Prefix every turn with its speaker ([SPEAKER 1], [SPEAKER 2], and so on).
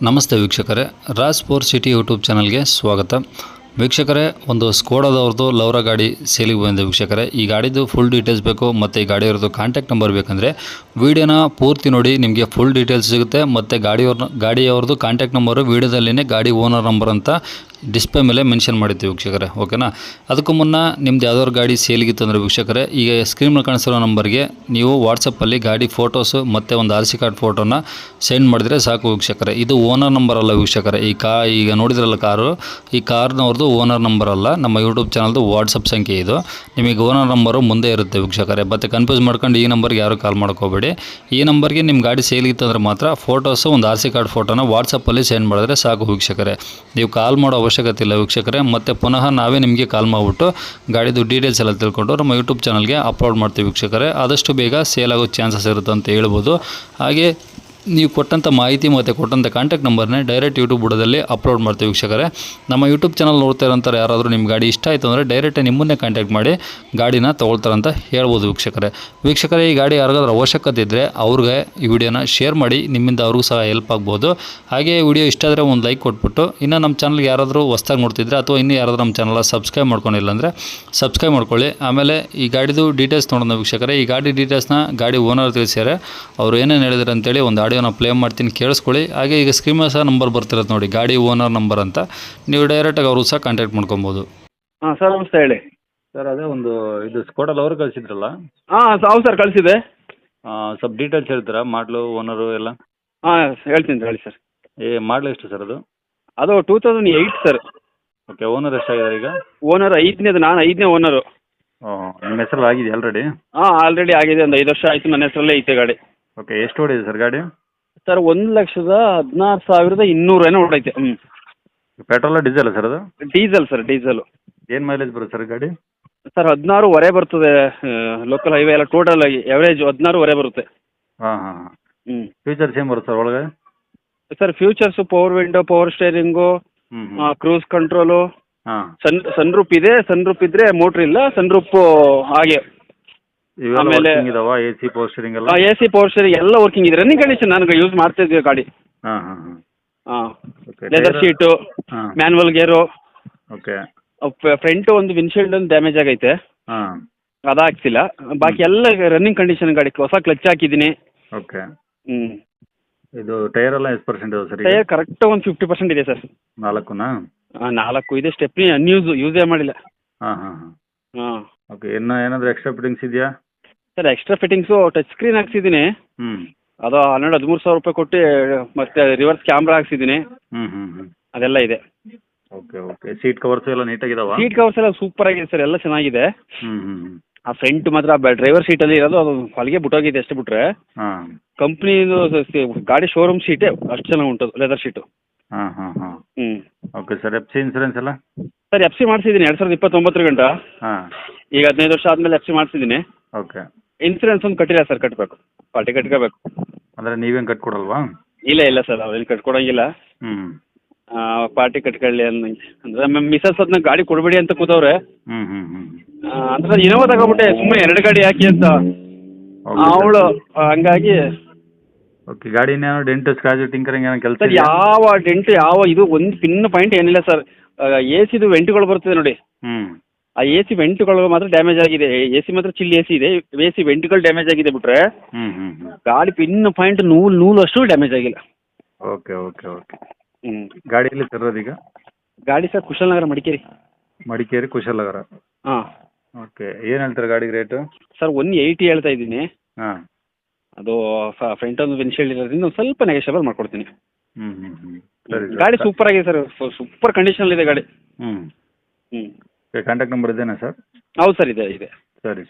[SPEAKER 1] ನಮಸ್ತೆ ವೀಕ್ಷಕರೇ, Raj sports city YouTube ಚಾನಲ್ಗೆ ಸ್ವಾಗತ. ವೀಕ್ಷಕರೇ, ಒಂದು ಸ್ಕೋಡಾದವ್ರದ್ದು ಲೌರ ಗಾಡಿ ಸೇಲಿಗೆ ಬಂದಿದೆ ವೀಕ್ಷಕರೇ. ಈ ಗಾಡಿದು ಫುಲ್ ಡೀಟೇಲ್ಸ್ ಬೇಕು ಮತ್ತು ಈ ಗಾಡಿಯವ್ರದ್ದು ಕಾಂಟ್ಯಾಕ್ಟ್ ನಂಬರ್ ಬೇಕಂದರೆ ವೀಡಿಯೋನ ಪೂರ್ತಿ ನೋಡಿ, ನಿಮಗೆ ಫುಲ್ ಡೀಟೇಲ್ಸ್ ಸಿಗುತ್ತೆ. ಮತ್ತು ಗಾಡಿಯವ್ರದ್ದು ಕಾಂಟ್ಯಾಕ್ಟ್ ನಂಬರು ವೀಡಿಯೋದಲ್ಲಿನೇ ಗಾಡಿ ಓನರ್ ನಂಬರ್ ಅಂತ ಡಿಸ್ಪ್ಲೇ ಮೇಲೆ ಮೆನ್ಷನ್ ಮಾಡಿರ್ತೀವಿ ವೀಕ್ಷಕರೇ, ಓಕೆನಾ. ಅದಕ್ಕೂ ಮುನ್ನ ನಿಮ್ದು ಯಾವ್ದಾದ್ರು ಗಾಡಿ ಸೇಲಿಗಿತ್ತು ಅಂದರೆ ವೀಕ್ಷಕರೇ, ಈಗ ಸ್ಕ್ರೀನ್ ಮೇಲೆ ಕಾಣಿಸಿರೋ ನಂಬರ್ಗೆ ನೀವು ವಾಟ್ಸಪ್ಪಲ್ಲಿ ಗಾಡಿ ಫೋಟೋಸು ಮತ್ತು ಒಂದು RC ಕಾರ್ಡ್ ಫೋಟೋನ ಸೆಂಡ್ ಮಾಡಿದರೆ ಸಾಕು ವೀಕ್ಷಕರೇ. ಇದು ಓನರ್ ನಂಬರ್ ಅಲ್ಲ ವೀಕ್ಷಕರೇ. ಈಗ ನೋಡಿದ್ರಲ್ಲ ಕಾರು, ಈ ಕಾರ್ನವ್ರದ್ದು ಓನರ್ ನಂಬರ್ ಅಲ್ಲ, ನಮ್ಮ ಯೂಟ್ಯೂಬ್ ಚಾನಲ್ದು ವಾಟ್ಸಪ್ ಸಂಖ್ಯೆ ಇದು. ನಿಮಗೆ ಓನರ್ ನಂಬರು ಮುಂದೆ ಇರುತ್ತೆ ವೀಕ್ಷಕರೇ. ಮತ್ತು ಕನ್ಫ್ಯೂಸ್ ಮಾಡ್ಕೊಂಡು ಈ ನಂಬರ್ಗೆ ಯಾರು ಕಾಲ್ ಮಾಡ್ಕೋಬೇಡಿ. ಈ ನಂಬರ್ಗೆ ನಿಮ್ಮ ಗಾಡಿ ಸೇಲಿಗಿತ್ತು ಅಂದರೆ ಮಾತ್ರ ಫೋಟೋಸು ಒಂದು RC ಕಾರ್ಡ್ ಫೋಟೋನ ವಾಟ್ಸಪ್ಪಲ್ಲಿ ಸೆಂಡ್ ಮಾಡಿದ್ರೆ ಸಾಕು ವೀಕ್ಷಕರೇ. ನೀವು ಕಾಲ್ ಮಾಡೋ ಅವಶ್ಯಕತೆ ಇಲ್ಲ ವೀಕ್ಷಕರೇ. ಮತ್ತು ಪುನಃ ನಾವೇ ನಿಮಗೆ ಕಾಲ್ ಮಾಡಿಬಿಟ್ಟು ಗಾಡಿದು ಡೀಟೇಲ್ಸ್ ಎಲ್ಲ ತಿಳ್ಕೊಂಡು ನಮ್ಮ ಯೂಟ್ಯೂಬ್ ಚಾನಲ್ಗೆ ಅಪ್ಲೋಡ್ ಮಾಡ್ತೀವಿ ವೀಕ್ಷಕರೇ. ಆದಷ್ಟು ಬೇಗ ಸೇಲ್ ಆಗೋ ಚಾನ್ಸಸ್ ಇರುತ್ತೆ ಅಂತ ಹೇಳ್ಬೋದು. ಹಾಗೆ ನೀವು ಕೊಟ್ಟಂಥ ಮಾಹಿತಿ ಮತ್ತು ಕೊಟ್ಟಂಥ ಕಾಂಟ್ಯಾಕ್ಟ್ ನಂಬರ್ನೇ ಡೈರೆಕ್ಟ್ ಯೂಟ್ಯೂಬ್ ಬುಡದಲ್ಲಿ ಅಪ್ಲೋಡ್ ಮಾಡ್ತೀವಿ ವೀಕ್ಷಕರೇ. ನಮ್ಮ ಯೂಟ್ಯೂಬ್ ಚಾನಲ್ ನೋಡ್ತಾ ಇರೋಂಥವ್ರು ಯಾರಾದರೂ ನಿಮ್ಮ ಗಾಡಿ ಇಷ್ಟ ಆಯಿತು ಅಂದರೆ ಡೈರೆಕ್ಟಾಗಿ ನಿಮ್ಮನ್ನೇ ಕಾಂಟ್ಯಾಕ್ಟ್ ಮಾಡಿ ಗಾಡಿನ ತೊಗೊಳ್ತಾರಂತ ಹೇಳ್ಬೋದು ವೀಕ್ಷಕರೇ. ಈ ಗಾಡಿ ಯಾರಿಗಾದ್ರೂ ಅವಶ್ಯಕತೆ ಇದ್ದರೆ ಅವ್ರಿಗೆ ಈ ವಿಡಿಯೋನ ಶೇರ್ ಮಾಡಿ, ನಿಮ್ಮಿಂದ ಅವ್ರಿಗೂ ಸಹ ಹೆಲ್ಪ್ ಆಗ್ಬೋದು. ಹಾಗೆ ವಿಡಿಯೋ ಇಷ್ಟ ಆದರೆ ಒಂದು ಲೈಕ್ ಕೊಟ್ಬಿಟ್ಟು, ಇನ್ನು ನಮ್ಮ ಚಾನಲ್ಗೆ ಯಾರಾದರೂ ಹೊಸ್ದಾಗಿ ನೋಡ್ತಿದ್ರೆ ಅಥವಾ ಇನ್ನೂ ಯಾರಾದರೂ ನಮ್ಮ ಚಾನಲ್ ಸಬ್ಸ್ಕ್ರೈಬ್ ಮಾಡ್ಕೊಂಡಿಲ್ಲ ಅಂದರೆ ಸಬ್ಸ್ಕ್ರೈಬ್ ಮಾಡ್ಕೊಳ್ಳಿ. ಆಮೇಲೆ ಈ ಗಾಡಿದು ಡೀಟೇಲ್ಸ್ ನೋಡೋಣ ವೀಕ್ಷಕರೇ. ಈ ಗಾಡಿ ಡೀಟೇಲ್ಸ್ನ ಗಾಡಿ ಓನರ್ ತಿಳಿಸ್ಯಾರೆ. ಅವರು ಏನೇನು ಹೇಳಿದ್ರು ಅಂತೇಳಿ ಒಂದು ಆಡಿಯೋನ ಪ್ಲೇ ಮಾಡ್ತೀನಿ, ಕೇಳಿಸ್ಕೊಳ್ಳಿ. ಹಾಗೆ ಈಗ ಸ್ಕ್ರೀನ್ ಮೇಲೆ ಸಹ ನಂಬರ್ ಬರ್ತಿರೋದು ನೋಡಿ, ಗಾಡಿ ಓನರ್ ನಂಬರ್ ಅಂತ. ನೀವು ಡೈರೆಕ್ಟಾಗಿ ಅವರು ಸಹ ಕಾಂಟ್ಯಾಕ್ಟ್ ಮಾಡ್ಕೊಬೋದು.
[SPEAKER 2] ಹಾಂ ಸರ್, ನಮಸ್ತೆ, ಹೇಳಿ
[SPEAKER 1] ಸರ್. ಅದೇ ಒಂದು ಇದು ಸ್ಕೋಡಲ್ ಅವರು ಕಳಿಸಿದ್ರಲ್ಲ.
[SPEAKER 2] ಹಾಂ ಹೌದು ಸರ್, ಕಳಿಸಿದೆ.
[SPEAKER 1] ಸ್ವಲ್ಪ ಡೀಟೇಲ್ಸ್ ಹೇಳ್ತೀರಾ, ಮಾಡಲು ಓನರು ಎಲ್ಲ?
[SPEAKER 2] ಹಾಂ ಹೇಳ್ತೀನಿ ಹೇಳಿ ಸರ್.
[SPEAKER 1] ಮಾಡಲು ಎಷ್ಟು ಸರ್ ಅದು?
[SPEAKER 2] ಅದು 2008 ಸರ್.
[SPEAKER 1] ಓಕೆ. ಓನರ್ ಎಷ್ಟಾಗಿದ್ದಾರೆ ಈಗ?
[SPEAKER 2] ಓನರ್ 5ನೇದು, ನಾನು 5ನೇ ಓನರು.
[SPEAKER 1] ನಿಮ್ಮ ಹೆಸರಲ್ಲಿ ಆಗಿದೆ ಆಲ್ರೆಡಿ?
[SPEAKER 2] ಹಾಂ ಆಲ್ರೆಡಿ ಆಗಿದೆ, ಒಂದು 5 ವರ್ಷ ಆಯಿತು, ನನ್ನ ಹೆಸರಲ್ಲೇ ಐತೆ ಗಾಡಿ.
[SPEAKER 1] ಓಕೆ. ಎಷ್ಟು ಓಡಿದೆ ಸರ್ ಗಾಡಿ?
[SPEAKER 2] ಸರ್ 1,16,200 ಏನೋ ಓಡೈತೆ.
[SPEAKER 1] ಪೆಟ್ರೋಲ ಡೀಸೆಲ್ ಸರ್ ಅದು?
[SPEAKER 2] Diesel sir, diesel.
[SPEAKER 1] ಏನು ಮೈಲೇಜ್ ಬರುತ್ತೆ ಸರ್ ಗಾಡಿ?
[SPEAKER 2] ಸರ್ 16 ಬರ್ತದೆ. ಲೋಕಲ್ ಹೈವೇ ಎಲ್ಲ ಟೋಟಲ್ ಆಗಿ ಎವರೇಜ್ 16 ಬರುತ್ತೆ.
[SPEAKER 1] ಹಾಂ ಹಾಂ ಹಾಂ. ಫೀಚರ್ಸ್ ಏನು ಬರುತ್ತೆ ಸರ್ ಒಳಗೆ?
[SPEAKER 2] Sir features power window, power steering, cruise control,
[SPEAKER 1] ಹಾಂ.
[SPEAKER 2] ಸನ್ ರೂಪ್ ಇದೆ. ಸನ್ ರೂಪ್ ಇದ್ದರೆ ಮೋಟ್ರ್ ಇಲ್ಲ, ಸನ್ ರೂಪ್ ಹಾಗೆ. ಆಮೇಲೆ
[SPEAKER 1] AC ಪವರ್ ಸ್ಟೀರಿಂಗ್ ಎಲ್ಲ?
[SPEAKER 2] AC ಪವರ್ ಸ್ಟೇರಿಂಗ್ ಎಲ್ಲ ವರ್ಕಿಂಗ್ ಇದೆ. ರನ್ನಿಂಗ್ ಕಂಡೀಷನ್, ನಾನು ಯೂಸ್ ಮಾಡ್ತಾ ಇದ್ದೀವಿ ಗಾಡಿ.
[SPEAKER 1] ಹಾಂ ಹಾಂ ಹಾಂ.
[SPEAKER 2] ಹಾಂ. Leather seat, manual gear.
[SPEAKER 1] Okay.
[SPEAKER 2] Front ಒಂದು ವಿಂಡ್ಶೀಲ್ಡ್ ಒಂದು ಡ್ಯಾಮೇಜ್ ಆಗೈತೆ,
[SPEAKER 1] ಹಾಂ.
[SPEAKER 2] ಅದಾಗ್ತಿಲ್ಲ. ಬಾಕಿ ಎಲ್ಲ ರನ್ನಿಂಗ್ ಕಂಡೀಷನ್ ಗಾಡಿ. ಹೊಸ ಕ್ಲಚ್ ಹಾಕಿದ್ದೀನಿ.
[SPEAKER 1] ಓಕೆ.
[SPEAKER 2] ಹ್ಞೂ.
[SPEAKER 1] ಇದು ಟೈರ್ ಎಲ್ಲ ಎಷ್ಟು ಪರ್ಸೆಂಟ್ ಇದೆ ಸರ್?
[SPEAKER 2] ಟೈರ್ ಕರೆಕ್ಟ್ ಒಂದು 50% ಇದೆ ಸರ್.
[SPEAKER 1] 4ನಾ?
[SPEAKER 2] ಹಾಂ 4 ಇದೆ. ಸ್ಟೆಪ್ನಿ ಯೂಸೇ ಮಾಡಿಲ್ಲ.
[SPEAKER 1] ಹಾಂ ಹಾಂ ಹಾಂ.
[SPEAKER 2] ಹಾಂ.
[SPEAKER 1] ಓಕೆ. ಏನಾದರೂ ಎಕ್ಸ್ಟ್ರಾ ಫಿಟ್ಟಿಂಗ್ಸ್ ಇದೆಯಾ
[SPEAKER 2] sir? Extra fittings touch screen ಹಾಕ್ಸಿದ್ದೀನಿ.
[SPEAKER 1] ಹ್ಞೂ.
[SPEAKER 2] ಅದು 13,000 ರೂಪಾಯಿ ಕೊಟ್ಟು ಮತ್ತೆ ರಿವರ್ಸ್ ಕ್ಯಾಮ್ರಾ ಹಾಕ್ಸಿದ್ದೀನಿ.
[SPEAKER 1] ಹ್ಞೂ ಹ್ಞೂ ಹ್ಞೂ.
[SPEAKER 2] ಅದೆಲ್ಲ ಇದೆ.
[SPEAKER 1] Okay okay. ಸೀಟ್ ಕವರ್ಸ್ ಎಲ್ಲ ನೀಟಾಗಿದಾವ?
[SPEAKER 2] ಸೀಟ್ ಕವರ್ಸ್ ಎಲ್ಲ ಸೂಪರ್ ಆಗಿದೆ ಸರ್, ಎಲ್ಲ ಚೆನ್ನಾಗಿದೆ.
[SPEAKER 1] ಹ್ಞೂ ಹ್ಞೂ ಹ್ಞೂ.
[SPEAKER 2] ಆ ಫ್ರಂಟ್ ಮಾತ್ರ ಡ್ರೈವರ್ ಸೀಟಲ್ಲಿ ಇರೋದು ಅದು ಹೊಲಿಗೆ ಬಿಟ್ಟೋಗಿದೆ ಅಷ್ಟು ಬಿಟ್ರೆ.
[SPEAKER 1] ಹಾಂ.
[SPEAKER 2] ಕಂಪ್ನಿದು ಗಾಡಿ ಶೋರೂಮ್ ಸೀಟೇ ಅಷ್ಟು ಚೆನ್ನಾಗಿ ಉಂಟು, ಲೆದರ್ ಶೀಟು.
[SPEAKER 1] ಹಾಂ ಹಾಂ ಹಾಂ.
[SPEAKER 2] ಹ್ಞೂ.
[SPEAKER 1] Okay sir. FC ಇನ್ಸೂರೆನ್ಸ್ ಎಲ್ಲ?
[SPEAKER 2] ಸರ್ FC ಮಾಡಿಸಿದ್ದೀನಿ 2029 ಗಂಟ.
[SPEAKER 1] ಹಾಂ.
[SPEAKER 2] ಈಗ 15 ವರ್ಷ ಆದಮೇಲೆ FC ಮಾಡಿಸಿದ್ದೀನಿ.
[SPEAKER 1] ಓಕೆ.
[SPEAKER 2] ಇನ್ಸೂರೆನ್ಸ್ ಒಂದು ಕಟ್ಟಿಲ್ಲ ಸರ್, ಕಟ್ಟಬೇಕು, ಪಾರ್ಟಿ ಕಟ್ಕೋಬೇಕು.
[SPEAKER 1] ಅಂದರೆ ನೀವೇನು ಕಟ್ಕೊಡಲ್ವಾ?
[SPEAKER 2] ಇಲ್ಲ ಸರ್, ಅವೇನು ಕಟ್ಕೊಡಂಗಿಲ್ಲ.
[SPEAKER 1] ಹ್ಞೂ.
[SPEAKER 2] ಪಾರ್ಟಿ ಕಟ್ಕೊಳ್ಳಿ ಅನ್ನಂಗೆ ಅಂದರೆ ನಮ್ಮ ಮಿಸಸ್ ಅದನ್ನ ಗಾಡಿ ಕೊಡಬೇಡಿ ಅಂತ ಕೂತವ್ರೆ.
[SPEAKER 1] ಹ್ಞೂ ಹ್ಞೂ ಹ್ಞೂ.
[SPEAKER 2] ಅಂದ್ರೆ ಇನೋವಾ ತಗೊಬಿಟ್ಟೆ, ಸುಮ್ಮನೆ 2 ಗಾಡಿ ಹಾಕಿ ಅಂತ ಅವಳು, ಹಂಗಾಗಿ.
[SPEAKER 1] ಓಕೆ. ಗಾಡಿ ಇನ್ನೇನು ಡೆಂಟ್ ಸ್ಕ್ರಾಚ್ ಟಿಂಕರಿಂಗ್ ಏನೋ ಕೆಲಸ?
[SPEAKER 2] ಸರ್ ಯಾವ ಡೆಂಟ್ ಇದು ಒಂದು ಪಿನ್ ಪಾಯಿಂಟ್ ಏನಿಲ್ಲ ಸರ್. AC ವೆಂಟ್ಗಳು ಬರ್ತದೆ ನೋಡಿ,
[SPEAKER 1] ಹ್ಞೂ.
[SPEAKER 2] ಆ AC ವೆಂಟ್ಗಳು ಮಾತ್ರ ಡ್ಯಾಮೇಜ್ ಆಗಿದೆ. AC ಮಾತ್ರ ಚಿಲ್ AC ಇದೆ, AC ವೆಂಟ್ಗಳು ಡ್ಯಾಮೇಜ್ ಆಗಿದೆ ಬಿಟ್ರೆ
[SPEAKER 1] ಹ್ಞೂ ಹ್ಞೂ ಹ್ಞೂ.
[SPEAKER 2] ಗಾಡಿ ಪಿನ್ ಪಾಯಿಂಟ್ ನೂಲು ಅಷ್ಟು ಡ್ಯಾಮೇಜ್ ಆಗಿಲ್ಲ.
[SPEAKER 1] Okay okay okay.
[SPEAKER 2] ಹ್ಞೂ.
[SPEAKER 1] ಗಾಡಿಯಲ್ಲಿ ತರೋದೀಗ?
[SPEAKER 2] ಗಾಡಿ ಸರ್ ಕುಶಾಲನಗರ,
[SPEAKER 1] ಮಡಿಕೇರಿ ಕುಶಾಲನಗರ.
[SPEAKER 2] ಹಾಂ.
[SPEAKER 1] ಓಕೆ. ಏನು ಹೇಳ್ತಾರೆ ಗಾಡಿಗೆ ರೇಟು?
[SPEAKER 2] ಸರ್ 180 ಹೇಳ್ತಾ ಇದ್ದೀನಿ.
[SPEAKER 1] ಹಾಂ.
[SPEAKER 2] ಅದು ಫ್ರಂಟ್ ಒಂದು ವಿಂಡ್ಶೀಲ್ಡ್ ಇರೋದ್ರಿಂದ ಒಂದು ಸ್ವಲ್ಪ ನೆಗೆಷಬಲ್ ಮಾಡ್ಕೊಡ್ತೀನಿ.
[SPEAKER 1] ಹ್ಞೂ ಹ್ಞೂ ಹ್ಞೂ. ಸರಿ.
[SPEAKER 2] ಗಾಡಿ ಸೂಪರ್ ಆಗಿದೆ ಸರ್, ಸೂಪರ್ ಕಂಡೀಷನಲ್ಲಿದೆ ಗಾಡಿ.
[SPEAKER 1] ಹ್ಞೂ.
[SPEAKER 2] ಹ್ಞೂ.
[SPEAKER 1] ಕಾಂಟ್ಯಾಕ್ಟ್ ನಂಬರ್ ಇದೇನಾ ಸರ್?
[SPEAKER 2] ಹೌದು ಸರ್, ಇದೆ.
[SPEAKER 1] ಸರಿ.